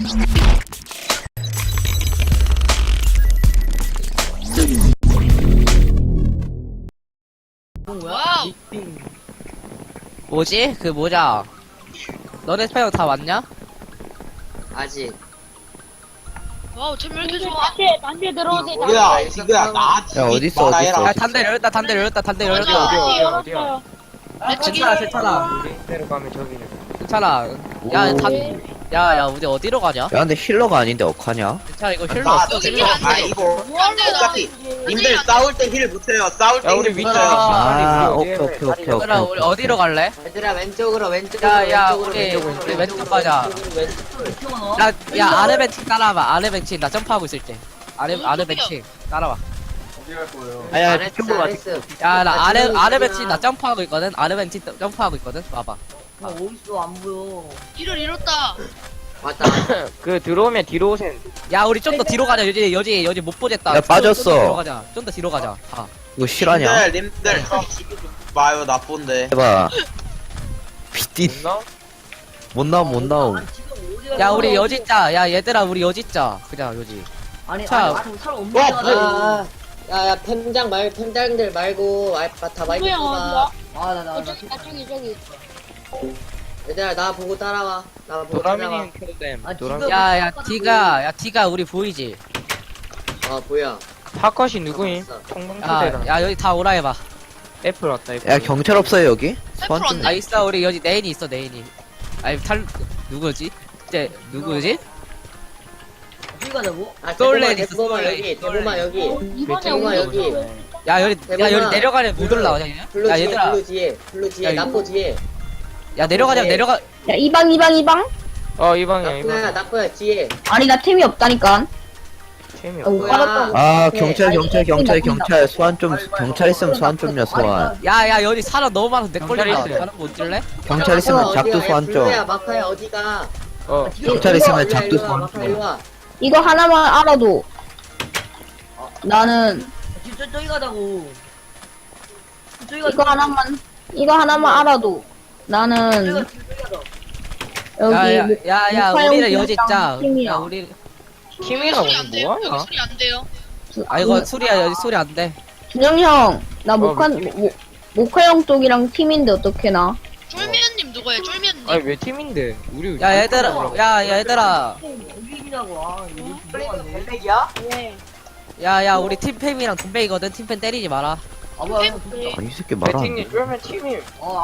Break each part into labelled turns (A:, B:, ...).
A: 와우.
B: 뭐지? 그 모자. 너네 스파이어 다 왔냐?
C: 아직.
A: 와우, 템왜 이렇게 좋아?
D: 단체 들어오세요.
C: 뭐야, 지그야, 나한테.
E: 야, 어딨어, 어딨어,
B: 야, 단대 열렸다, 단대 열렸다, 단대 열렸다.
D: 열었어요.
B: 괜찮아, 괜찮아.
F: 대로 가면 저기는.
B: 괜찮아. 야, 야, 우리 어디로 가냐?
E: 야, 근데 힐러가 아닌데 어떡하냐?
B: 괜찮아, 이거 힐러
C: 나,
B: 없어.
A: 여기 안 돼.
C: 이거.
A: 안 돼, 나.
C: 똑같이. 님들 싸울 때 힐 못해요. 싸울 때
F: 야,
C: 힐
F: 우리
C: 못해요.
F: 위쪽에
E: 아,
F: 우리
E: 오케이, 오케이, 오케이,
B: 얘들아,
E: 오케이.
B: 우리 어디로 갈래?
C: 얘들아, 왼쪽으로, 왼쪽으로.
B: 야,
C: 왼쪽으로,
B: 우리 왼쪽 가자. 야, 아래 벤치 따라와봐. 아래 벤치 나 점프하고 있을 때. 아래 벤치 따라와.
E: 아야,
C: 잘했어,
E: 이쪽으로 와.
C: 잘했어.
B: 야, 나 아래
C: 지금
B: 벤치
C: 있구나.
B: 나 점프하고 있거든. 아래 벤치 점프하고 있거든. 와봐.
A: 길을 잃었다.
C: 맞다.
F: 그 들어오면 뒤로 오세요.
B: 야, 우리 좀 더 뒤로 가자. 여지 못 보겠다.
E: 야, 빠졌어.
B: 좀 더 뒤로 가자. 좀 더 뒤로 가자. 아.
E: 이거 실화냐?
C: 님들, 마요, 나쁜데.
E: 해봐. 비띠,
F: 나?
E: 못 나옴, 못 나옴.
B: 야, 우리 여지 짜. 야, 얘들아, 우리 여지 짜. 그냥 여지. 자,
C: 야, 펜장들 말고, 다 마이크
D: 누구야,
C: 끄봐.
D: 어디야? 저기.
C: 얘들아, 나 보고 따라와. 나 보고 따라와.
F: 도라미님 켜댐. 도라미.
B: 야, 디가 우리 보이지?
C: 뭐야.
F: 파컷이 누구임?
C: 봤어.
F: 총망초대랑.
B: 야, 여기 다 오라 해봐.
F: 애플 왔다. 애플.
E: 야, 경찰 없어요, 여기? 소환 좀.
A: 왔네.
B: 아, 있어. 우리 여기 네인이 있어, 네인이. 아니, 누구지? 이제, 누구지?
C: 아,
B: 솔레
C: 대보마,
B: 있어,
C: 대보마
B: 솔레.
C: 여기, 대보마 여기.
D: 이번에
C: 대보마 여기.
B: 야, 여기
C: 대범아.
B: 내려가면 못 올라오냐, 얘는?
C: 블루
B: 야,
C: 뒤에,
B: 얘들아.
C: 블루 뒤에,
B: 야, 이거-
C: 나포 뒤에.
B: 야, 내려가자,
C: 네.
B: 내려가.
D: 야, 이방.
F: 이 방이야 이
C: 나포야,
F: 방.
C: 나포야, 뒤에.
D: 아니, 나 템이 없다니까.
F: 재미
D: 못
F: 없어.
D: 받았다고.
E: 아, 경찰. 소환 좀, 경찰 있으면 소환 좀요, 소환.
B: 야, 여기 사람 너무 많아서 내
F: 경찰
B: 걸린다.
F: 있어요.
B: 사람 못 질래?
E: 경찰 있으면 작두 소환 좀.
C: 블루야, 마카야, 어디가?
E: 경찰 있으면
C: 일로와,
E: 작두
C: 일로와,
E: 소환
C: 마카 일로
E: 좀.
C: 와.
D: 이거 하나만 알아도. 나는. 이거 하나만 알아도. 나는. 여기.
B: 야,
D: 목화용
B: 우리는 여지 짜. 야,
D: 팀이야.
B: 우리.
F: 팀이랑
A: 소리
F: 오늘
A: 안 돼요. 여기
F: 뭐하냐?
A: 소리 안 돼요.
B: 아, 이거 소리야, 여기 소리 안 돼.
D: 준영 형, 나 모카형 쪽이랑 팀인데 어떻게 나?
A: 쫄미언님 누구예요? 쫄미언님.
F: 아니 왜 팀인데? 우리.
B: 야, 얘들아. 야, 우리 팀팸이랑 동백이거든. 팀팸 때리지 마라.
E: 아니, 이 새끼 말 안 돼.
F: 배팅님 쫄면 팀임.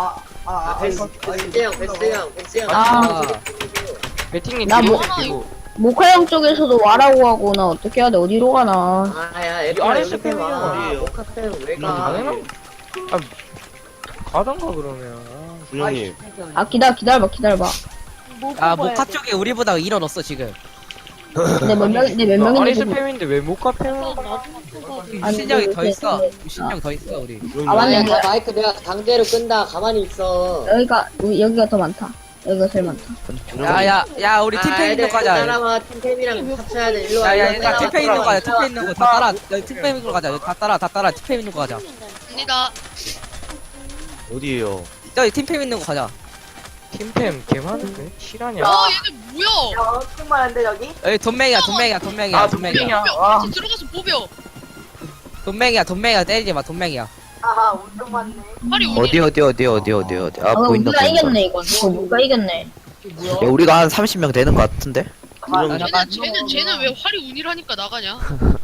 C: 베스형.
D: 아.
F: 배팅님
D: 나
F: 뒤로
D: 뭐-
F: 뒤로.
D: 모카형 쪽에서도 와라고 하고 나 어떻게 해야 돼? 어디로 가나?
C: 야,
F: 이
C: 애플아,
F: 아래서
C: 여기 와.
F: 팸이야.
C: 모카팸 왜 가?
F: 가능하? 아 가던가 그러면.
G: 준영님
D: 아 기다려봐.
B: 아, 모카 쪽에 우리보다 일어났어, 지금.
D: 내 몇
F: 아리스
D: 명인지
F: 팸인데 왜 못가 팸으로?
B: 유신형이 더 있어. 유신형 더 있어, 우리.
D: 아 맞네.
C: 야, 마이크 내가 강제로 끈다. 가만히 있어.
D: 여기가 더 많다. 여기가 제일 많다.
B: 야, 우리 팀팸 있는 거 가자.
C: 따라와. 팀팸이랑 합쳐야 돼. 일로 와.
B: 야,
C: 일로 와,
B: 얘들아, 팀팸 있는 거 가자. 팀팸 있는 거 다 따라. 팀팸 있는 거 가자. 다 따라. 팀팸 있는 거 가자.
A: 갑니다.
G: 어디에요?
B: 저기 팀팸 있는 거 가자.
F: 팀팸 개 많은데? 실화냐?
A: 얘들 뭐야?
B: 여기 돈맹이야.
F: 아 돈이냐? 와.
A: 같이 들어가서 보벼.
B: 돈맹이야. 때리지 마, 돈맹이야.
A: 팔이 우니.
E: 어디. 아, 보인다,
D: 우리가
E: 보인다.
D: 이겼네 이거. 우리가 이겼네.
E: 야, 우리가 한 30명 되는 것 같은데?
A: 쟤는 왜 활이 운이라니까 나가냐?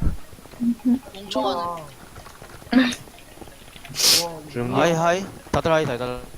A: 멍청하네.
G: 하이 다들 하이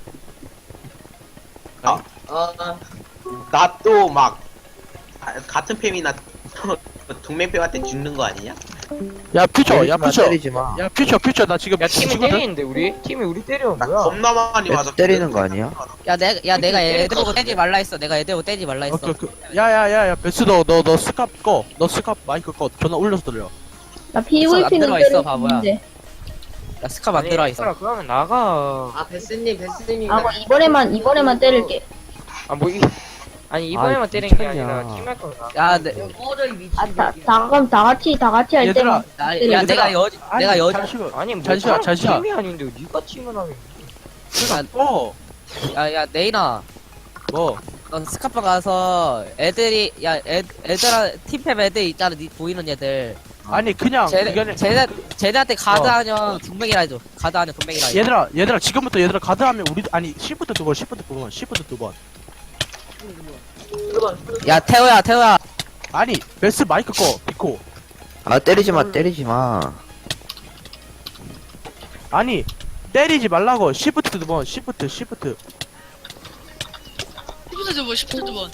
C: 나 또 막 같은 팸이나 동맹팸한테 죽는 거 아니냐?
H: 야 퓨처
E: 때리지 마.
H: 야 퓨처 나 지금
F: 야 팀이
H: 지거든?
F: 때리는데 우리? 팀이 우리 때려
C: 나
F: 뭐야?
C: 겁나 많이
E: 왜
C: 맞아.
E: 때리는 거 아니야?
B: 내가 애들 보고 떼지 말라 했어. 내가 애들 보고 떼지 말라 했어.
H: 야야야야 베스 너 스캅 꺼. 너 스캅 마이크 꺼. 전화 올려서 들려.
D: 나 PVP는
B: 들어와 있어, 바보야.
D: 때리는데.
B: 야, 스카 만들어 있어.
F: 얘들아, 그러면 나가.
C: 아, 베스님.
D: 아 뭐 이번에만 때릴게.
F: 아니 이번에만
E: 아이,
F: 때린 게
E: 미쳤냐.
F: 아니라 팀할 거 나.
B: 야,
D: 그럼 다 같이 할
H: 얘들아,
D: 때만.
B: 야, 내가 여지.
H: 잠시만.
F: 아니 뭐
H: 잠시만.
F: 팀이 아닌데 네가 팀을 하면.
H: 어.
B: 야, 네이나.
H: 뭐?
B: 넌 스카파 가서 애들이 애들아 팀팸 애들 있잖아 니 보이는 애들
H: 아니 그냥 이거는
B: 쟤네한테 가드하면 분명이라 해줘. 가드하면 분명이라 해줘.
H: 얘들아 지금부터 얘들아 가드하면 우리 아니 시프트 2번 시프트 2번
B: 야 태호야
H: 아니 베스 마이크 꺼 비코
E: 아 때리지마
H: 아니 때리지 말라고 시프트 2번 시프트
A: 시프트 두 번.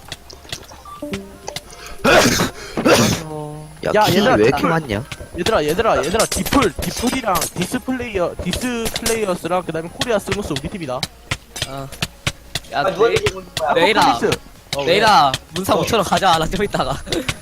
E: 야
H: 야,
E: 키
H: 얘들아,
E: 왜 이렇게
H: 다-
E: 많냐
H: 얘들아 디플이랑 디스플레이어스랑 그 다음에 코리아 스무스 우리 팀이다
B: 야 내일아
H: 포커리스. 왜?
B: 내일아 문사 5천원 가져와라 좀 이따가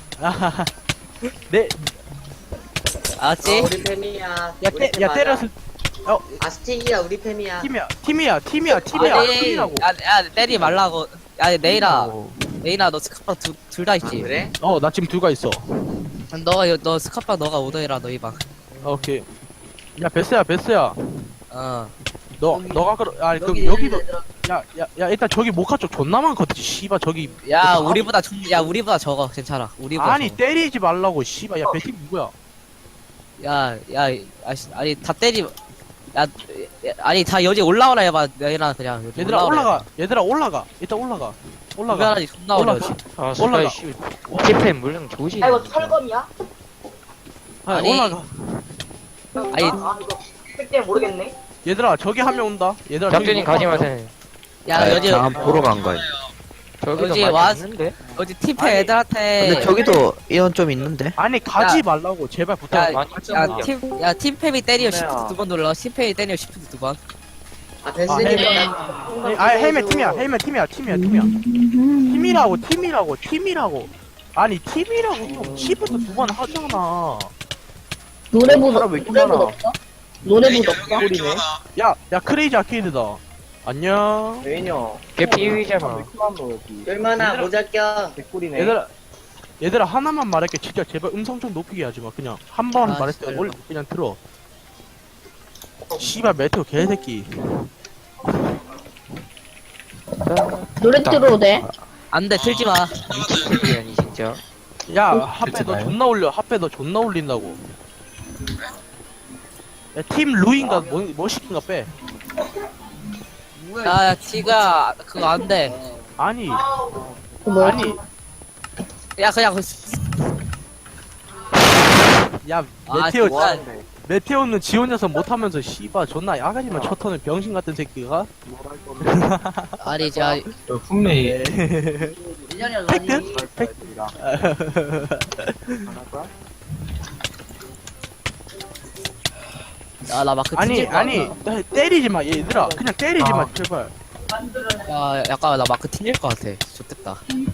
H: 네,
B: 알았지?
I: 우리 팸이야.
H: 야 때려서
I: 아스틱이야 우리 팸이야.
H: 팀이야 팀이라고
B: 야 때리지 말라고. 야 내일아 너 스카파 둘 다 있지?
I: 그래?
H: 나 지금 둘가 있어
B: 너 스카파 너가 오더해라 너희 방.
H: 오케이 야 베스야
B: 어.
H: 너가 아니 그 여기도 야 일단 저기 모카 쪽 존나 많거든 씨발 저기
B: 야 우리보다 적어 괜찮아. 우리보다
H: 아니
B: 적어.
H: 때리지 말라고 씨발 야 배팀 누구야
B: 아니 다 때리. 아니 다 여기 올라오라 해봐. 내일아 그냥 여기
H: 얘들아
B: 올라오라
H: 올라가 일단 올라가
B: 해봐. 존나 어려워.
F: 아
H: 올라가.
F: 씨 TPM 물량 조지.
I: 이거 철검이야?
B: 아니,
H: 올라가
B: 아니
I: 이거 그때 모르겠네.
H: 얘들아 저기 한 명 온다 얘들아
F: 장준님 가지 마세요.
B: 야 여기
E: 잠깐 보러 간 거야
F: 저기도
B: 여기
F: 많이
B: 와-
F: 있는데.
B: 어디 팀패
H: 아니,
B: 애들한테.
E: 근데 저기도 인원 좀 있는데
H: 아니 가지 말라고 제발 부탁
F: 많이
B: 야 팀팸이 때리면 시프트 2번 눌러. 팀팸이 때리면 시프트 2번.
I: 아 베스님
H: 헬멧 팀이야 팀이라고 아니 팀이라고 좀 시프트 2번 하잖아
D: 노래부
H: 사람 왜 이렇게
D: 노래부
H: 많아?
D: 없어? 노래부 없어?
H: 야 크레이지 아케이드다 안녕
F: 걔 피의자마.
I: 얼마나
H: 얘들아.
I: 모자 껴.
H: 얘들아 하나만 말할게 진짜 제발 음성 좀 높이게 하지마 그냥 한 번
B: 아,
H: 말했을 때
B: 진짜.
H: 원래 그냥 들어 씨발 메테오 개새끼
D: 노래 들어도 돼?
B: 안돼 틀지 마.
F: 아니 진짜.
H: 야 핫배 너 존나 올려 핫배 너 존나 올린다고 야 팀 루인가 뭐 시킨가 빼
B: 야 지가 그거 안돼.
H: 아니
D: 그 뭐야?
H: 아니
B: 야 그냥
H: 야
B: 아,
H: 메테오
B: 진짜.
H: 메테오는 지원 녀석 못하면서 씨발 존나 야가지만 쳐터는 병신 같은 새끼가
B: 아니 자
H: 분명히 팩트?
B: 나 마크
H: 아니
B: 튕길 거
H: 아니 때리지 마 얘들아 그냥 때리지 마 제발
B: 야 약간 나 마크 튕길 것 같아. 좋겠다.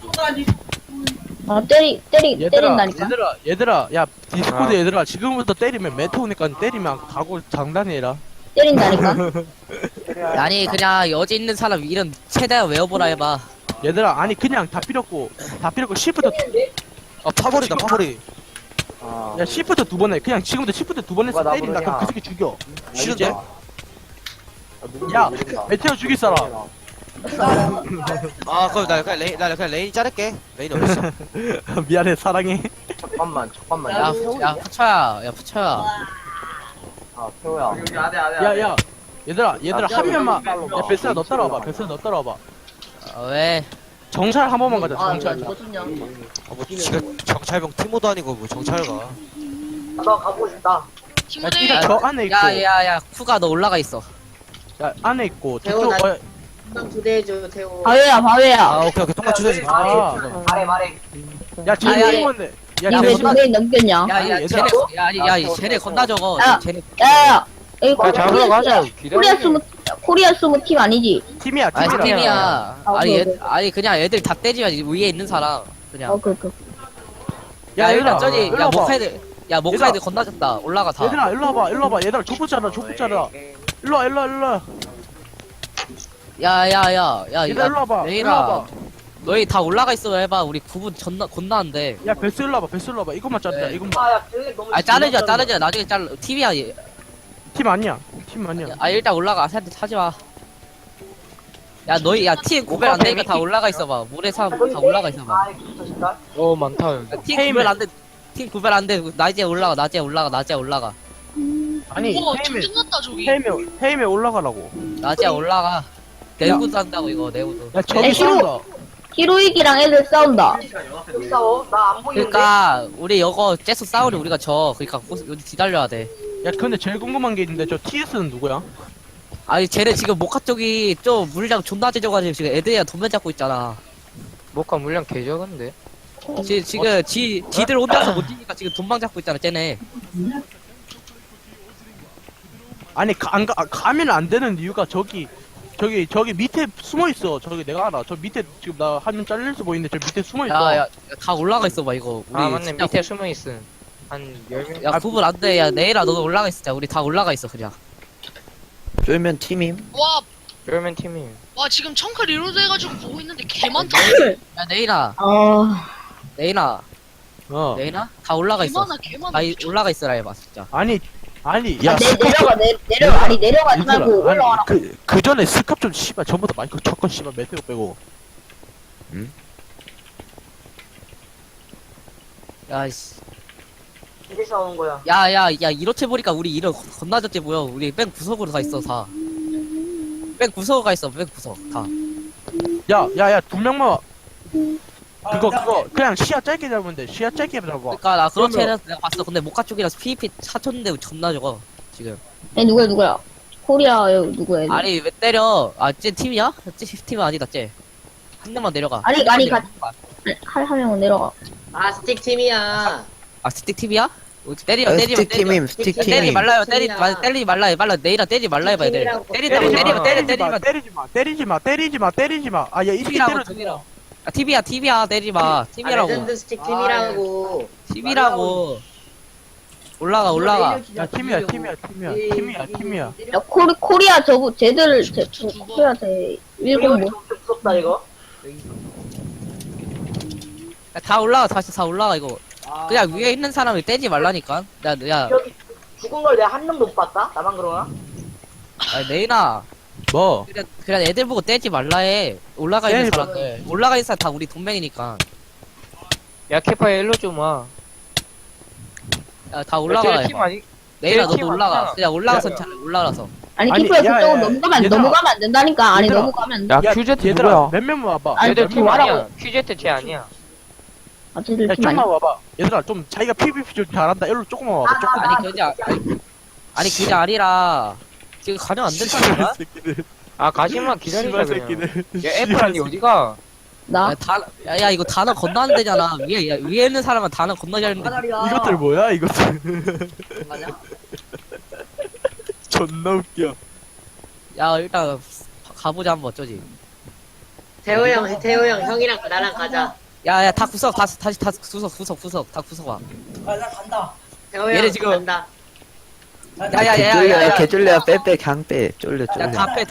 D: 때린다니까.
H: 얘들아 야 디스코드 얘들아 지금부터 때리면 메테오니까 때리면 각오 장단해라
D: 때린다니까.
B: 아니 그냥 여기 있는 사람 이름 최대한 외워보라 해봐.
H: 얘들아 아니 그냥 다 필요 없고 시프트
G: 파벌이다 파벌이
H: 야 시프트 2번 해 그냥 지금부터 시프트 2번 해서 때린다 그럼 그 새끼 죽여
G: 싫은데?
H: 야 메테오 죽일 사람
G: 아 그럼 나 그냥 레인 자를게 레인 어딨어
H: 미안해 사랑해
B: 야 푸쳐야.
H: 야야 얘들아 한 명만 야 베스야 너 따라와봐
B: 왜?
H: 정찰 한 번만 가자 정찰
G: 뭐 지가 정찰병 티모도 아니고 뭐 정찰가
I: 나 가보고 싶다.
H: 야
A: 팀원에
H: 니가 저 안에 있고
B: 야야야 쿠가 너 올라가 있어.
H: 야 안에 있고
I: 태호,
H: 저쪽
I: 나- 한번 초대해줘 태호.
D: 바위야.
G: 아 오케이 통과 취소해줘
H: 야 지금
B: 아, 야,
H: 팀원데 야
D: 니 왜
H: 잠시만.
D: 노래 넘겼냐?
B: 야야
H: 얘들아.
B: 쟤네 건다 적어.
D: 야.
B: 쟤네
D: 야, 이거
F: 야 잡으러 가자.
D: 코리아 스무 팀 아니지?
H: 팀이야
B: 아니
H: 팀이야
B: 팀이야.
D: 그래.
B: 아니 그냥 애들 다 때리면 위에 있는 사람 그냥.
D: 그.
H: 야
B: 일단
H: 얘들아
B: 저기
H: 일로
B: 야
H: 와봐.
B: 모카이드
H: 얘들아.
B: 건너졌다. 올라가 다.
H: 얘들아 일로 와봐 얘들아 족보 짜라 일로 와
B: 야야야
H: 얘들아 일로 와봐
B: 레이라 너희 다 올라가 있어 해봐. 우리 구분 건너는데.
H: 야 베스 일로 와봐 이것만 자르자
B: 네.
H: 이것만
I: 아야 너무.
B: 아 자르자 나중에 TV야.
H: 팀 아니야 팀 아니야
B: 아 일단 올라가. 사람들 타지 마. 야 너희 야팀 구별 안 되니까 다 올라가 있어봐. 물에 다 올라가 있어봐.
F: 많다 여기.
B: 팀 구별 안 돼. 팀 구별 안 돼. 낮에 올라가. 낮에 올라가. 낮에 올라가.
H: 아니
A: 우와
H: 헤이맨
A: 전쟁났다 저기.
H: 헤이맨 올라가라고.
B: 낮에 올라가. 내구도 한다고 이거 내구도.
H: 야 저기
D: 히로-
H: 싸운다.
D: 히로이기랑 애들 싸운다.
I: 여기 싸워? 나 안 보이는데?
B: 그러니까 우리 이거 째서 싸우려 우리가 져. 그러니까 여기 기다려야 돼.
H: 야 근데 제일 궁금한 게 있는데 저 TS는 누구야?
B: 아니 쟤네 지금 모카 쪽이 좀 물량 존나 째져가지고 지금 애들이랑 돈면 잡고 있잖아.
F: 모카 물량 개 적은데.
B: 지금 지들 혼자서 못 뛰니까 지금 돈방 잡고 있잖아 쟤네.
H: 아니 가면 안 되는 이유가 저기 밑에 숨어 있어. 저기 내가 알아. 저 밑에 지금 나 화면 잘릴수 보이는데 저 밑에 숨어 있어.
B: 야야 다 올라가 있어봐 이거. 우리
F: 아 맞네
B: 진짜
F: 밑에 숨어 있음. 한 10명.
B: 야 구분 안 돼. 야 내일아 너도 올라가 있자. 우리 다 올라가 있어 그냥.
E: 쫄면 팀임.
A: 와,
F: 그러면 팀이.
A: 와 지금 청크 리로드 해가지고 보고 있는데 개 많다.
B: 야 내일아
D: 아,
B: 내일아
H: 어.
B: 내일아 다 올라가
A: 개
B: 있어.
A: 많아 개 많아.
B: 다 올라가 있어라 해봐 진짜.
H: 아니
D: 야,
H: 야
D: 내려가지 말고 올라와라.
H: 그 전에 스캅 좀 씨발 전부 다 마이크 쳤건 씨발 메테오 빼고.
B: 야씨.
I: 이제 싸우는 거야.
B: 야야야 이렇게 보니까 우리 이런 건나졌지 뭐야. 우리 맨 구석으로 가 있어 다. 맨 구석 가 있어 맨 구석 다.
H: 야야야 두 명만. 그거 그냥 시야 짧게 잡으면 돼. 시야 짧게 잡아.
B: 그러니까 나 그렇게
H: 그러면-
B: 해서 내가 봤어. 근데 모카 쪽이라서 PVP 사쳤는데 존나 적어 지금.
D: 애 누구야? 코리아 누구야?
B: 아니 왜 때려? 쟤 팀이야? 쟤 팀은 아니다 쟤. 한 명만 내려가.
D: 아니,
B: 한 명만
D: 아니,
B: 내려가.
D: 한 명은 내려가.
I: 아, 스틱 팀이야.
B: 아 스틱 팀이야? 때리면
E: 스틱 팀임. 스틱
B: 때리지
E: 팀임.
B: 말라요.
I: 팀이야.
B: 때리지 말라. 말라 내일아 때리지 말라 해봐 애들.
I: 팀이라고.
B: 때린다고 때리면
H: 때리지 마. 아, 야, 이렇게
B: TV라고
H: 때려.
B: TV라고. 아 TV야 때리지 마.
I: 아,
B: TV라고.
I: 레전드 스틱 팀이라고.
B: TV라고. 올라가.
H: 야, 팀이야.
D: 야, 코리아 쟤들,
A: 두 번.
D: 코리아 일본 뭐.
I: 무섭다, 이거.
B: 야, 다 올라가 다시 다 올라가 이거. 그냥 위에 있는 사람을 떼지 말라니까. 야
I: 여기 죽은 걸 내가 한 명도 못 봤다? 나만 그러나?
B: 내일아.
H: 뭐?
B: 그냥 애들 보고 떼지 말라 해. 올라가 있는
H: 떼지
B: 사람들. 올라가 있는 사람 다 우리 동맹이니까.
F: 야 캐파에 일로 좀 와.
B: 야, 다 올라가.
F: 팀 아니?
B: 내일아
F: 팀
B: 너도 올라가.
F: 아니야.
B: 그냥 올라가서 차라리 올라가서.
D: 아니,
H: 아니,
D: 키프야,
H: 야,
D: 그쪽은
H: 야, 얘들아.
D: 넘어가면 안 된다니까. 아니,
H: 얘들아.
D: 넘어가면.
F: 야
H: 야,
F: 큐제트
H: 얘들아,
F: 누구야?
H: 몇 명만 와봐.
D: 아니,
F: 얘들
D: 좀
F: 팀
D: 와라고.
F: 아니야. 큐제트 쟤 아니야.
D: 아, 쟤들
H: 야,
D: 팀 아니야.
H: 좀만 와봐. 얘들아, 좀 자기가 PVP 좀 잘한다. 일로 조금만 와봐. 조금.
B: 아니 그게 아니라 지금 가면 안 된다니까.
F: 아 가지마 기다리자
H: 씨발
F: 그냥.
H: 새끼들.
F: 야 애플이 어디가?
D: 나?
B: 야 이거 단어 건너는 되잖아. 위에 있는 사람은 단어 건너야 하는데.
H: 이것들 뭐야, 이것들. 존나 웃겨.
B: 야 일단 가보자 한번 어쩌지.
I: 태호 형, 형이랑 나랑 가자.
B: 야야 다 구석 다시 다 구석 다 구석 와.
I: 태호
B: 얘네
I: 형,
B: 지금-
I: 간다.
B: 야야야야야.
E: 개쫄려. 빼. 강 빼. 쫄려.
B: 야다 빼.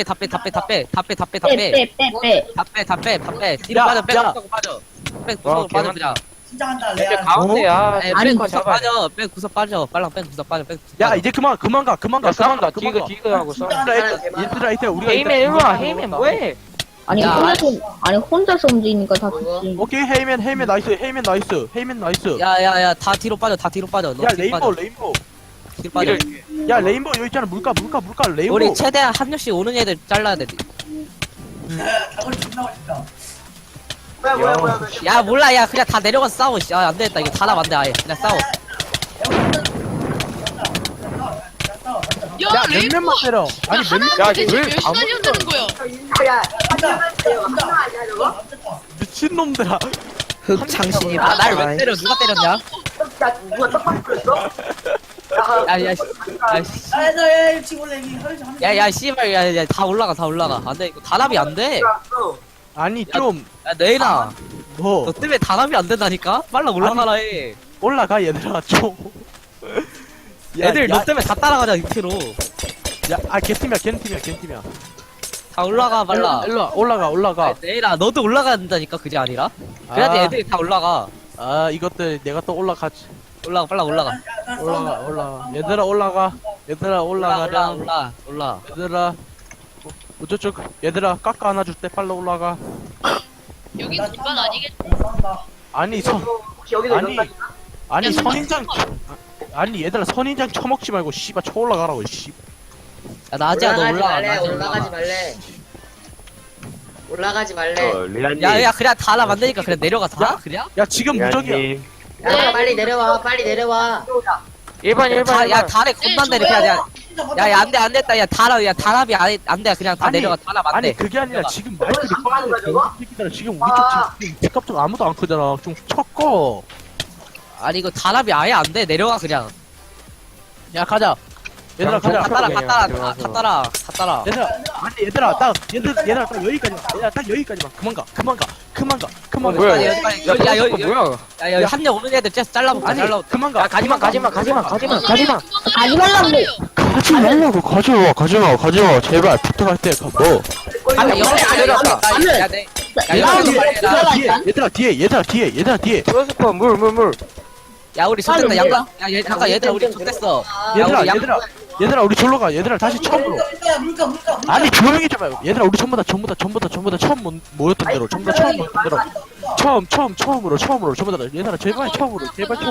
D: 빼.
B: 뒤로
H: 야,
B: 빠져. 빼
H: 야.
B: 구석 빠져. 빼
F: 와,
B: 구석 빠져
F: 개만-
B: 그냥.
F: 얘들 가운데야.
B: 빼
D: 아니,
B: 구석 빠져. 빼 구석 빠져. 빨랑 빼 구석 빠져.
H: 야, 이제 그만 가.
F: 야 싸운다. 디그 하고 싸워.
H: 얘들아, 이따 우리가.
F: 헤이맨 일로 와. 헤이맨 뭐해?
D: 아니,
B: 야,
D: 혼자서 움직이니까 다 좋지.
H: 오케이, 헤이맨 나이스.
B: 야야야 다 뒤로 빠져. 너
H: 야,
B: 뒤로 빠져.
H: 레인보우.
B: 뒤로 빠져.
H: 야, 레인보우 여기 있잖아. 물가, 레인보우.
B: 우리 최대한 한 명씩 오는 애들 잘라야 돼.
I: 뭐야.
B: 야 몰라 야 그냥 다 내려가서 싸워. 씨. 아 안되겠다 이거 다 나만데 아예 그냥 싸워.
A: 야
H: 야, 몇
A: 레이브.
H: 명만 때려. 아니, 몇 명,
A: 하나 대체
F: 왜
A: 몇 시간이면 되는 거야?
I: 야, 한명 아니야, 저거?
H: 미친놈들아.
E: 흑창신이
B: 아 날 왜 때려? 누가 때렸냐?
I: 야, 누가 떡밥 끓였어?
B: 야야 씨발 야야 다 올라가 안돼 이거 단합이 안돼.
H: 아니, 좀,
B: 야 내일아
H: 뭐,
B: 너 때문에 단합이 안 된다니까? 빨라 올라가라 해.
H: 올라가, 얘들아, 좀. 야,
B: 애들
H: 야,
B: 너 때문에 다 따라가자 밑으로.
H: 야, 걔팀이야.
B: 다 올라가 빨라.
H: 일로 와, 올라가.
B: 아, 내일아 너도 올라가야 된다니까 그게 아니라. 그래야지
H: 아.
B: 애들이 다 올라가.
H: 아, 이것들, 내가 또 올라가지.
B: 올라가 빨라 올라가.
H: 올라가. 얘들아, 올라가. 얘들아, 올라가자.
B: 올라.
H: 얘들아, 어쩌쪽 얘들아 깎아 안아줄 때 빨리 올라가.
A: 여긴 공간 아니겠지?
H: 아니 선 아니 선인장 아니 얘들아 선인장 처먹지 말고 씨발 쳐 올라가라고 씨.
B: 야 나지야 너 올라가. 나지야,
I: 올라가지 말래. 올라가지 말래.
E: 리안님.
B: 야 그냥 다 하나 만드니까 그냥 내려가 다 그냥?
H: 야 지금 무적이야.
E: 리안님.
I: 야, 빨리 내려와. 빨리 내려와.
F: 1번 1번
B: 야 달에 겁만 내려 그냥 야야 안돼 안됐다 야 달합이 안돼 그냥 다
H: 아니,
B: 내려가 달합 안돼.
H: 아니 그게 아니라 지금 마이크를 꺼는데 새끼들아 지금 우리 쪽 지금 집값 좀 아무도 안 크잖아. 좀 쳤고.
B: 아니 이거 달합이 아예 안돼 내려가 그냥.
H: 야 가자. 얘들아 가자.
B: 다 따라.
H: 얘들아 아니 얘들아 딱 얘들아 딱 여기까지만. 얘들아 딱 여기까지만. 그만 가.
F: 뭐야
B: 야,
F: 야
B: 여기
F: 뭐야
B: 야 한명 오는 애들 쟤 잘라볼까
H: 아니
B: 잘라.
H: 그만 가.
F: 야 가지마
A: 아,
D: 가지 말라고.
H: 가지 말라고 가지마 제발 부탁할 때 뭐.
B: 아니 여기 내려왔다.
H: 얘들아 뒤에
F: 프로스퍼 물
B: 야 우리 좋댔다 양가. 야 잠깐 얘들아 우리 좋댔어.
H: 얘들아 우리 절로 가. 얘들아 다시 처음으로. 아니 조용히 좀 해요. 얘들아 우리 전부 다 처음 모였던 대로 전부 다 처음 모였던 대로 처음으로 전부 다 얘들아 제발 처음으로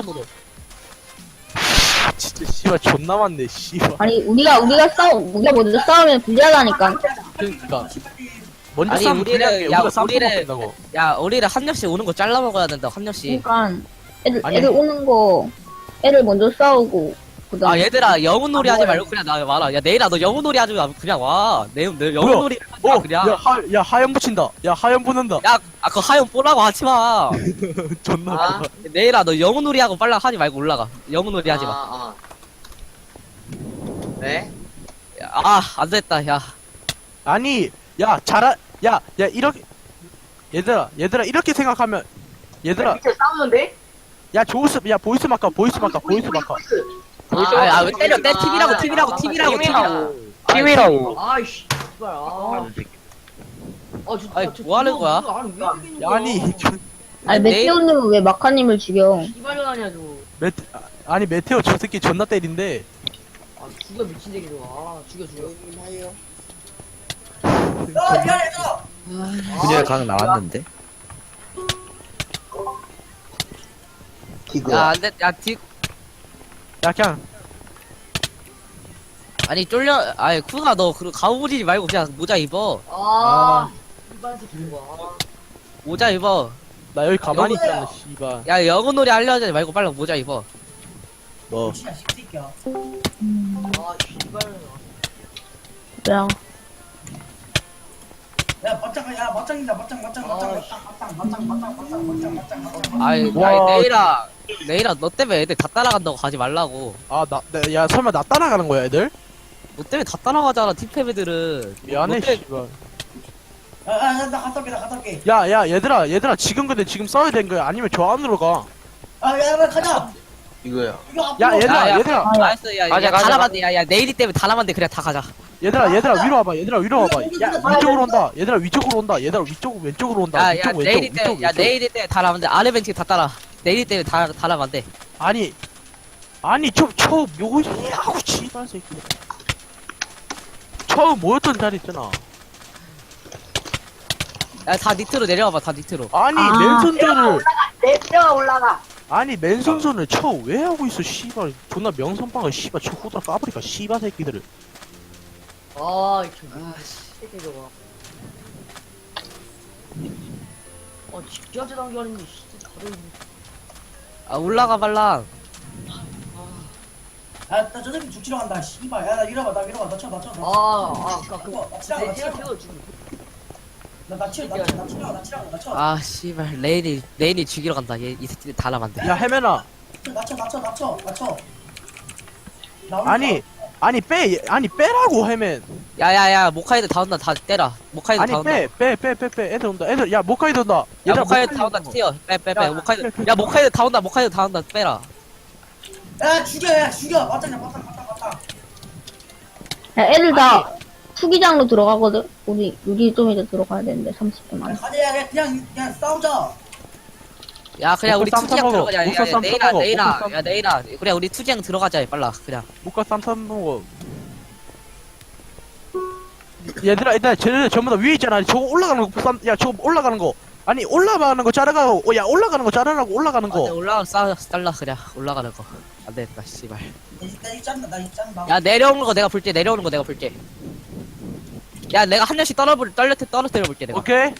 H: 진짜 씨발 존나 많네 씨발.
D: 아니 우리가 먼저 싸우면 불리하다니까.
H: 그러니까 먼저
B: 아니,
H: 싸우면
B: 우리를-
H: 우리가
B: 야,
H: 싸움
B: 우리를-
H: 먹는다고.
B: 야 우리를 한 명씩 오는 거 잘라 먹어야 된다 한 명씩.
D: 그러니까
H: 아니.
D: 애들 오는 거 애들 먼저 싸우고 그다음.
B: 아 얘들아 영혼놀이 하지 말고 그냥 나 와라. 야 내일아 너 영혼놀이 하지 마 그냥 와. 내 영혼놀이 하지 마 그냥.
H: 야 하연 붙인다. 야 하연 붙는다.
B: 야 그 하연 보라고 하지 마.
H: 존나
I: 아.
H: 많아.
B: 내일아 너 영혼놀이 하고 빨라 하지 말고 올라가. 영혼놀이 하지 마.
I: 아. 왜?
B: 안 됐다 야.
H: 아니 야 이렇게 얘들아 이렇게 생각하면 얘들아
I: 밑에 싸우는데?
H: 야 보이스 마카
I: 보이스.
B: 왜 때려 팀이라고
F: 팀이라고
I: 아이씨.
B: 아니 뭐 하는 거야?
H: 야, 아니
D: 아니 메테오님은 왜 마카님을 죽여?
I: 이발년하냐 저.
H: 아니 메테오 저 새끼 존나 때린데
I: 아 죽여 미친 새끼 아 죽여.
E: 그녀의 강 나왔는데.
B: 야 안돼
H: 야 그냥
B: 아니 쫄려 아니 쿠가 너 그 가오 부리지 말고 그냥 모자 입어.
I: 이발 새끼 와.
B: 모자 입어.
H: 나 여기 가만히 있잖아 씨발.
B: 야 영혼놀이 하려지 말고 빨리 모자 입어.
H: 뭐
I: 아 이발.
D: 그냥
B: 아이
H: 와.
B: 내일아 너 때문에 애들 다 따라간다고 가지 말라고.
H: 야 설마 나 따라가는 거야 애들?
B: 너 때문에 다 따라가잖아 팀패배들은.
H: 미안해
B: 너 때문에-
H: 씨발. 야 얘들아 지금 근데 지금 써야 되는 거야 아니면 저 안으로 가.
C: 이거요.
H: 야
B: 야,
H: 얘들아
B: 알았어 야
F: 가자.
B: 다람한데 야 내일이 때문에 다람한데 그냥 다 가자.
H: 얘들아 위로 와봐. 위로 와봐. 야 위쪽으로 온다. 얘들아 위쪽으로 온다. 얘들아 왼쪽으로 온다.
B: 야
H: 위쪽
B: 내일이
H: 왼쪽
B: 때문에 야 내일이 때문에 다람한데 아래 벤치 다 따라. 내일이 때문에 다람한데.
H: 아니 저 묘희하고 씨발 새끼. 처음 모였던 자리 있잖아.
B: 야 다 니트로 내려와봐 다 니트로.
H: 아니
D: 아.
H: 맨손전을
I: 내가 올라가.
H: 아니 맨손전을 쳐 왜 하고 있어 씨발. 존나 명선빵을 씨발 쳐 후드라 까버리까 씨발 새끼들을.
I: 아 새끼 저거. 직전제 단계하는데 진짜 다들.
B: 아 올라가 발랑.
J: 저 새끼 죽지러 간다 씨발. 야 나 밀어봐 나 쳐.
I: 그거
J: 나 치라고. 나 쳐.
B: 아 씨발 레인이 죽이러 간다. 이 새끼들 다람한데.
H: 야 해면아.
J: 나 쳐.
H: 아니 빼라고 해면.
B: 야야야 모카이드 다 온다 다 때라. 모카이드
H: 아니
B: 다 온다.
H: 빼 애들 온다. 애들 야 모카이드 온다.
B: 야
H: 얘들아,
B: 모카이드 다 온다 튀어. 빼
H: 야,
B: 모카이드. 야 모카이드 다 온다 빼라.
J: 야 죽여. 맞짱.
D: 야, 애들 다 투기장로 들어가거든. 우리 좀 이제 들어가야 되는데 30분 만에.
J: 가자. 그냥 싸우자.
B: 야 그냥 우리
H: 쌈
B: 투지양
H: 싸먹어.
B: 들어가자.
H: 목사 쌈
B: 내일아
H: 싸먹어.
B: 내일아
H: 목사 쌈.
B: 야 내일아 그래 우리 투지양 들어가자 빨라 그냥.
H: 모카 쌈 먹어. 얘들아 일단 쟤네들 전부 다 위에 있잖아. 저거 올라가는 거 야 저거 올라가는 거 아니 올라가는 거 자르라고. 야 올라가는 거 자르라고. 올라가는 거.
B: 올라가 잘라 그냥 올라가는 거. 안 되겠다 씨발.
J: 나 이거 짠다 나 이거 짠다.
B: 야 내려오는 거 내가 볼게. 내려오는 거 내가 볼게. 야 내가 한 명씩 떨어뜨려 볼게 내가.
H: 오케이.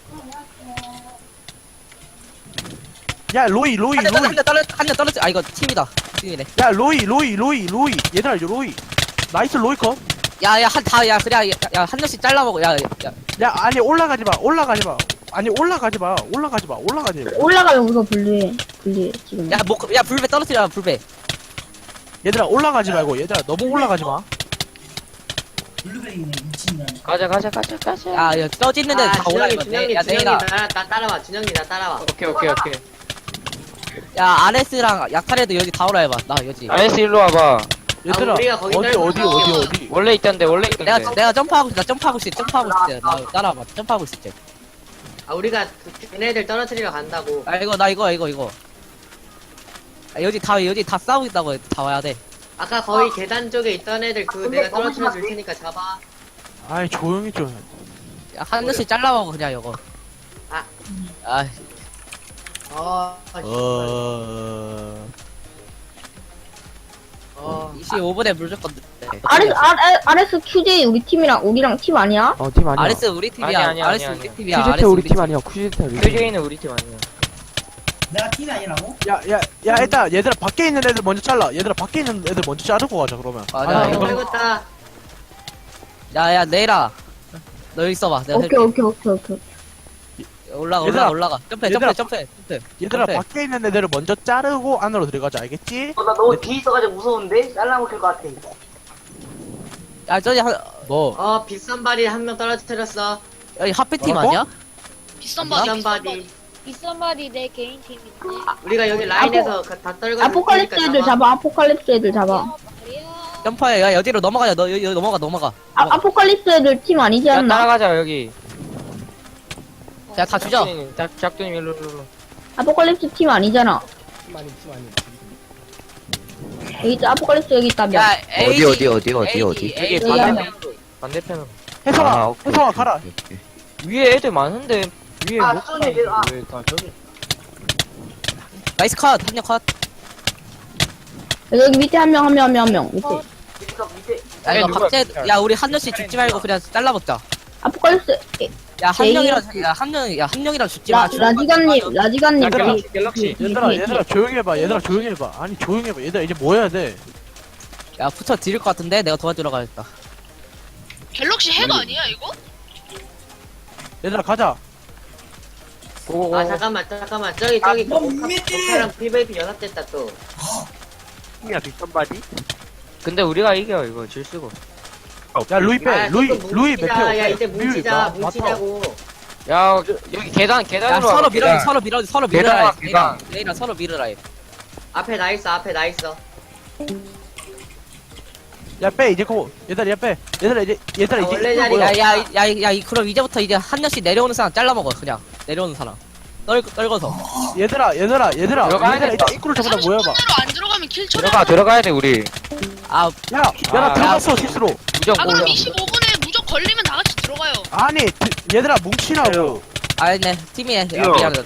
H: 야 로이.
B: 한명 떨어뜨려. 아 이거 팀이다. 팀이네.
H: 야 로이. 얘들아 로이. 나이스 로이 컷.
B: 야야 야 그냥 야한 명씩 잘라 먹어. 야.
H: 야 아니 올라가지 마. 아니 올라가지 마.
D: 올라가면 우선 분리해 지금.
B: 야 불배 떨어뜨려 불배.
H: 얘들아 올라가지 말고. 얘들아 너무 올라가지 마.
J: 블루베리네 미친년.
F: 가자.
B: 야 떠지는 데다
I: 아,
B: 올라.
I: 준영이
B: 야 내가.
I: 나 따라와. 준영이 나 따라와.
F: 오케이.
B: 야 아레스랑 약탈해도 여기 다 오라 해봐. 나 여기.
F: 아이스 일로 와봐.
H: 얘들아
I: 우리가 거기
H: 어디.
F: 원래 있던데.
B: 내가 점프하고 있어. 나 따라와봐. 점프하고 있을 때.
I: 아, 우리가 걔네들 떨어뜨리러 간다고.
B: 아 이거 나 이거. 아, 여기 다 싸우고 있다고 다 와야 돼.
I: 아까 거의 계단 쪽에 있던 애들 내가 떨어뜨려 줄 테니까 잡아.
H: 아이 조용히 좀.
B: 야, 한 명씩 잘라 먹어 그냥 이거.
I: 아.
B: 아 25분에 무조건.
D: RS QJ 우리랑 팀 아니야?
E: 팀 아니야.
B: 아레스 우리 팀이야.
F: 아니야.
B: 아레스 우리 팀이야.
E: 퀴즈태 우리 팀 아니야. 퀴즈태 우리 팀.
F: 큐제이는 우리 팀 아니야.
J: 내가 팀이 아니라고?
H: 야 일단 얘들아 밖에 있는 애들 먼저 잘라. 얘들아 밖에 있는 애들 먼저 자르고 가자 그러면.
B: 맞아,
H: 아니,
B: 이거-
I: 걸렸다.
B: 야야 내일아. 너 여기 있어봐. 내가
D: 오케이.
B: 올라가. 점프.
H: 얘들아
B: 점프.
H: 밖에 있는 애들을 먼저 자르고 안으로 들어가자. 알겠지?
J: 나 너무 뒤에 있어가지고 무서운데? 잘라먹힐 것 같아.
B: 야 저기
H: 뭐?
I: 비싼 발이 한 명 떨어뜨렸어.
B: 여기 하페팀
H: 뭐라고?
B: 아니야?
A: 비싼 바디.
I: 비싼 발이.
A: 비싼 바디 내 개인 팀인데.
I: 우리가 여기 라인에서 다 떨궈.
D: 아포칼립스 애들 잡아. 아포칼립스 애들 잡아.
B: 점프해. 야 여기로 넘어가자. 너 여기 넘어가.
D: 아포칼립스 애들 팀 아니지
F: 야
D: 않나?
F: 따라가자 여기.
B: 야 다 주자.
F: 작두님 일로.
D: 아포칼립스 팀 아니잖아. 여기 있다. 아포칼립스 여기 있다며.
B: 야
E: 어디.
B: AD,
F: 여기
B: AD.
F: 반대편으로.
H: 혜성아
E: 오케이.
H: 가라.
E: 오케이.
F: 위에 애들 많은데 위에 못 가.
B: 나이스 컷. 한 명 컷.
D: 여기 밑에 한 명. 밑에.
B: 야 이거
F: 누가-
B: 박제. 야 우리 한 명씩 죽지 말고 그냥 잘라먹자.
D: 아포칼립스
B: 야 한
D: 제이-
B: 명이랑 한 명이랑 죽지 마.
D: 라지간님
H: 얘들아,
F: 갤럭시.
H: 얘들아 조용히 해봐. 아니 조용히 해봐. 얘들아 이제 뭐 해야 돼?
B: 야 붙여 드릴 것 같은데 내가 도와주러 가야겠다.
A: 갤럭시 핵 아니야 이거?
H: 얘들아 가자.
I: 아 잠깐만. 저기 오카랑 PVP 연합됐다 또.
F: 야 비싼 바디? 근데 우리가 이겨 이거 질 수가.
H: 야 루이 빼. 루이
I: 뭉치자. 야
H: 메테오.
I: 이제 뭉치자.
F: 야 여기 계단으로
B: 야 서로
F: 와,
B: 밀어
F: 계단.
B: 서로 밀어라.
F: 계단.
B: 내일아 서로 밀어라.
I: 앞에 나 있어.
H: 야 빼 이제 고. 얘들아 빼. 얘들아 이제
I: 원래
H: 이거
I: 자리가-
H: 뭐야?
B: 야 그럼 이제부터 이제 한 명씩 내려오는 사람 잘라 먹어 그냥. 내려오는 사람. 떨궈서.
H: 얘들아
F: 들어가야
H: 이제
F: 돼.
H: 입구를 전부 다 모여봐.
A: 30분으로 안 들어가면 킬 쳐라.
F: 들어가야 돼 우리.
B: 아
H: 나 들어갔어 실수로.
F: 무조건
A: 그럼
F: 올려.
A: 25분에 무적 걸리면 다 같이 들어가요.
H: 아니 얘들아 뭉치라고.
B: 아니네 팀이야. 미안해.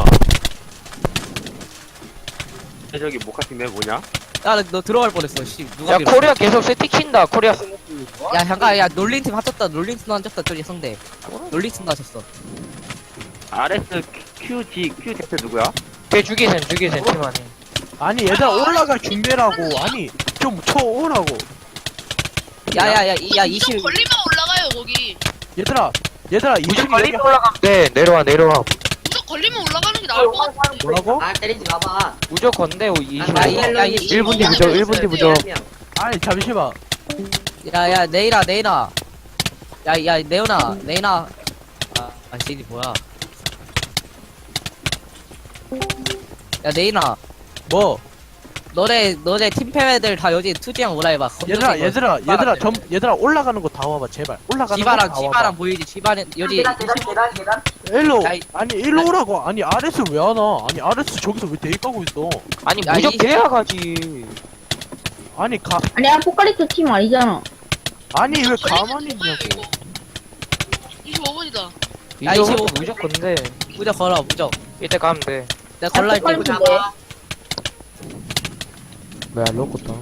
F: 저기 모카팀에 뭐냐?
B: 야너 들어갈 뻔했어. 씨 누가
F: 야
B: 밀어.
F: 코리아 계속 세팅킨다. 코리아.
B: 야 잠깐 야 롤링팀 합쳤다. 롤링팀 합쳤다. 저기 상대. 롤링팀 하셨어.
F: RS Q 대표 누구야? 걔 죽이센 팀 안에.
H: 아니 얘들아 올라갈 준비라고. 아니 좀 쳐오라고.
B: 야야
A: 무적
B: 20.
A: 걸리면 올라가요 거기.
H: 얘들아
F: 무조건
H: 20이
F: 빨리 올라가면 돼. 내려와.
A: 무적 걸리면 올라가는 게 나을 것 같은데.
H: 뭐라고?
I: 아 때리지 마봐.
F: 무조건데 20.
B: 야,
E: 1분 뒤 무적, 1분 뒤 무적.
H: 아니 잠시만.
B: 야야 네이나. 야 네오나. 아 씨니 뭐야? 야 네이나.
H: 뭐?
B: 너네 팀패배들 다 여기 투지형 오라 해봐.
H: 얘들아 올라가는 거 다 와봐 제발. 올라가는 거 다 와봐.
B: 지바랑 보이지? 지바는 여기
J: 계단.
H: 일로.
B: 야, 이-
H: 아니 일로 오라고. 아니 RS 왜 안 와? 아니 RS 저기서 왜 대기 까고 있어?
F: 아니
B: 야,
F: 무적
B: 이-
F: 돼야 가지.
H: 아니
D: 아니 아포칼립스 팀 아니잖아.
H: 아니 왜
A: 걸리면
H: 가만히
A: 죽어요,
H: 있냐고.
A: 이거. 25분이다.
B: 야,
F: 25 무조건데.
B: 무적 걸어, 무적.
F: 이때 가면 돼.
B: 내가 걸라 할게.
D: 빨리
B: 무적.
D: 돼.
H: 뭐야 로꼬다.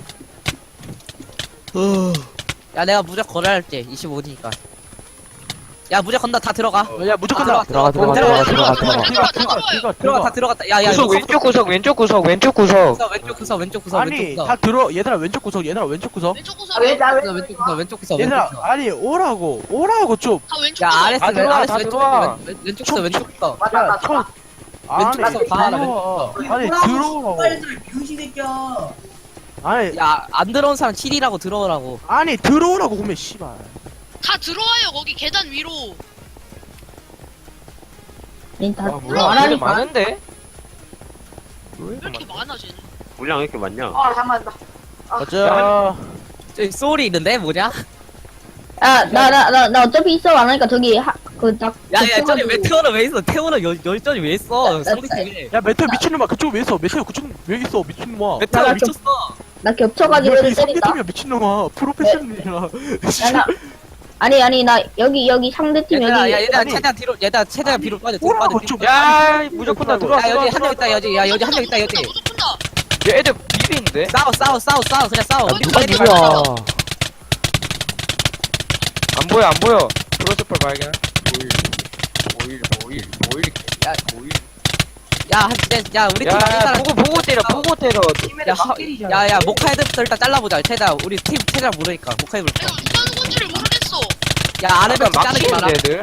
B: 야, 내가 무적 걸어 할게. 25니까. 야, 무적 건다. 다 들어가.
H: 야 무조건
B: 들어가,
H: 들어가.
F: 들어가,
B: 들어가,
F: 들어가,
B: 들어가, 다 들어갔다. 야, 야,
F: 구석,
B: 이거
F: 왼쪽 구석, 왼쪽 구석, 왼쪽 구석.
B: 구석, 왼쪽 구석, 왼쪽 구석,
H: 아니
B: 왼쪽
H: 다
B: 구석.
H: 들어. 얘들아 왼쪽 구석. 얘들아 왼쪽 구석.
A: 왼쪽
J: 아,
A: 구석.
J: 왜, 나 왜?
B: 왼쪽 구석, 왼쪽 구석, 왼쪽
H: 얘들아
B: 구석.
H: 아니 오라고 좀.
A: 다 왼쪽
B: 야,
A: 구석.
B: 아레스,
F: 다 들어와,
B: 아레스
F: 다
B: 왼쪽
F: 들어와.
B: 구석, 왼쪽 구석, 왼쪽 구석.
J: 맞다,
H: 야
J: 맞다.
H: 총. 아니
B: 왼쪽 구석 다 알아,
H: 들어와. 아니 들어오라고.
J: 빨리 들어, 병신 새끼야.
H: 아니
B: 야, 안 들어온 사람 7이라고 들어오라고.
H: 아니 들어오라고 보면 씨발.
A: 다 들어와요 거기 계단 위로.
D: 다
F: 와, 뭐야,
D: 안
F: 되게
D: 하니까.
F: 많은데?
A: 왜 이렇게 많아 쟤는?
C: 물량 왜 이렇게 많냐?
J: 아, 잠깐만.
H: 맞아.
B: 저기 소울이 있는데? 뭐냐?
D: 야, 나 어차피 있어 안 하니까 저기 딱.
B: 야, 야, 저기 왜 태워는 왜 있어? 태워는 열전이 왜 있어? 상대팀에.
H: 야 메테오 미친놈아 그쪽 왜 있어? 메테오 그쪽 왜 있어? 미친놈아.
B: 메타가 미쳤어.
D: 나 겹쳐가지고
H: 여기
D: 애들 때린다.
H: 상대팀이야 미친놈아. 프로페셔널이야.
D: 야, 나, 아니, 나 여기 상대팀
B: 얘들아,
D: 여기.
B: 야, 얘들아,
H: 아니.
B: 최대한 뒤로, 얘들아, 최대한 뒤로 빠져, 뒤로
H: 오라고
B: 빠져.
H: 좀.
F: 야, 무조건 다 들어와.
B: 야, 여기 한 명 있다, 여기. 야, 여기 한 명 있다, 여기.
A: 무조건 다.
F: 야, 애들 비비인데?
B: 싸워, 그냥 싸워.
A: 누가
B: 빨리
A: 누구야?
B: 싸워.
F: 안 보여, 안 보여. 프로스펄 발견.
B: 야, 야, 우리 팀
F: 야,
B: 일단,
F: 보고 때려, 보고 때려.
B: 야, 모카 헤드부터 일단 잘라보자. 최대한, 우리 팀 최대한 모르니까. 모카 헤드.
A: 내가 누가 누군지를 모르겠어.
B: 야, 아레베
F: 막
B: 자르기
F: 치는데,
B: 많아.
F: 애들.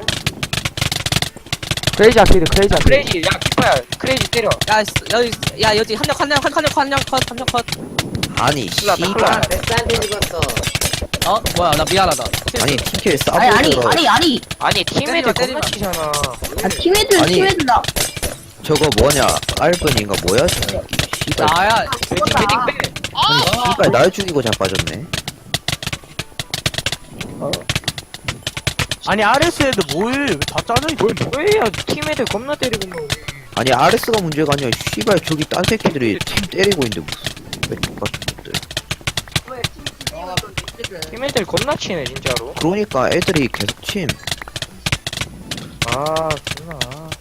H: 크레이지 아키드 크레이지
F: 크레이지, 야, 키퍼야. 크레이지 때려.
B: 여기 한 명 컷.
E: 아니 씨발.
I: 렉스한테 죽었어.
B: 어? 뭐야, 나 미안하다.
E: 아니 TK에
D: 아니,
E: 싸보더라.
F: 아니, 팀애들
B: 때리지 마.
F: 겁나 치잖아.
D: 팀애들
E: 아니.
D: 나.
E: 저거 뭐냐 알분인가 뭐야 저 씨발.
B: 나야.
F: 매직 빼.
A: 아,
E: 씨발 날 죽이고 자빠졌네.
H: 아니 RS 애들 뭐해? 왜 다 짜져 있어?
F: 왜야, 팀애들 겁나 때리고 뭐.
E: 아니 RS가 문제가 아니야. 씨발 저기 딴 새끼들이 팀 때리고 있는데 무슨 왜 똑같은 것들.
F: 팀애들 겁나 치네, 진짜로.
E: 그러니까 애들이 계속 침.
F: 아, 존나.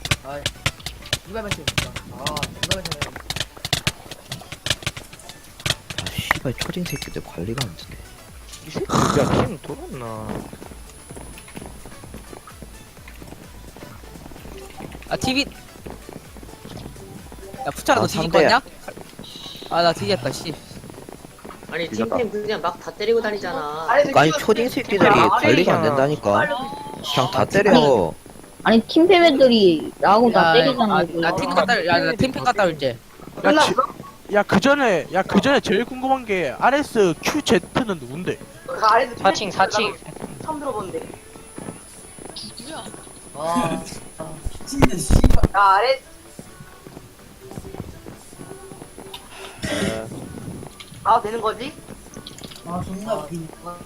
E: 아 씨발 초딩 새끼들 관리가 안 되네.
F: 이 새끼, 야, 팀 돌았나.
B: 아, TV. 야, 푸차라 너
E: 아,
B: 뒤질
E: 상대야.
B: 거냐? 아, 나 뒤졌다, 씨.
I: 아니 팀템 그냥 막 다 때리고 다니잖아.
E: 아니 초딩 새끼들이 관리가 안 된다니까. 그냥 다 때려.
D: 아니 팀팸 애들이 나하고 다 때리잖아.
B: 나 팀 갔다, 야, 나 팀팩 갔다 올게.
H: 그 전에 제일 궁금한 게 RS QZ는 누군데?
J: 그 아래도
F: 4층.
J: 처음 들어보는데.
A: 누구야?
J: 진짜 씨발. 나 아래. 아 되는 거지? 아 존나 웃기니까.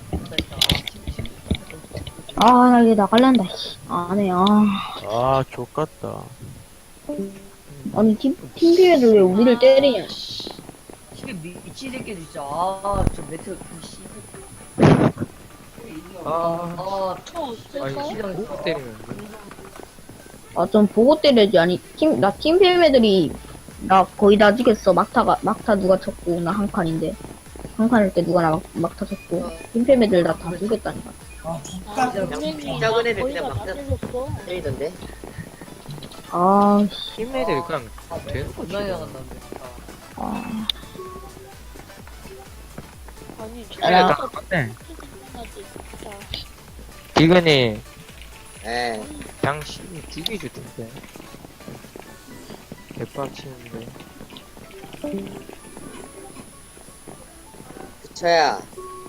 D: 아, 나 이제 나갈란다. 씨. 안 해.
H: 아 족같다.
D: 아니 팀팸 애들 왜 우리를 때리냐?
J: 미친 새끼 진짜. 아저 매트 씨.
F: 아니, 꼭 때리는데.
D: 아, 좀 보고 때려야지. 아니 나 팀팸 애들이 나 거의 다 죽였어. 막타 누가 쳤고 나 한 칸인데 한 칸일 때 누가 나 막타 쳤고 팀팸 애들 나 다 죽였다니까.
I: 그냥 작은 애들 그냥 막 때리던데.
D: 아,
F: 팀애들 그냥 되는 거지.
D: 아.
F: 팀애들 다 똑같네. 디그니,
I: 에.
F: 그냥 죽이줄 텐데. 개빡치는데.
I: 부처야.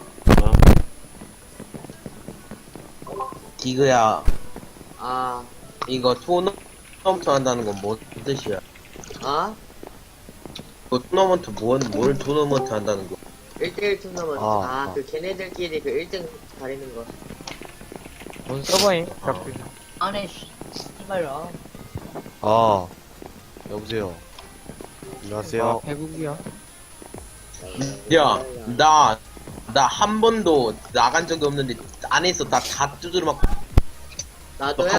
C: 디그야,
I: 아.
C: 이거 토너먼트 한다는 건 뭔 뜻이야?
I: 아?
C: 이거 토너먼트 뭘 토너먼트 한다는 거?
I: 1대1 토너먼트.
E: 아,
I: 아, 그 걔네들끼리 그 1등 가리는 거.
F: 뭔 서버임?
J: 안해 씨발야.
G: 아 여보세요. 안녕하세요.
F: 배국이야.
C: 야, 나 한 번도 나간 적이 없는데 안에서 다 두드려 맞고
I: 나도야.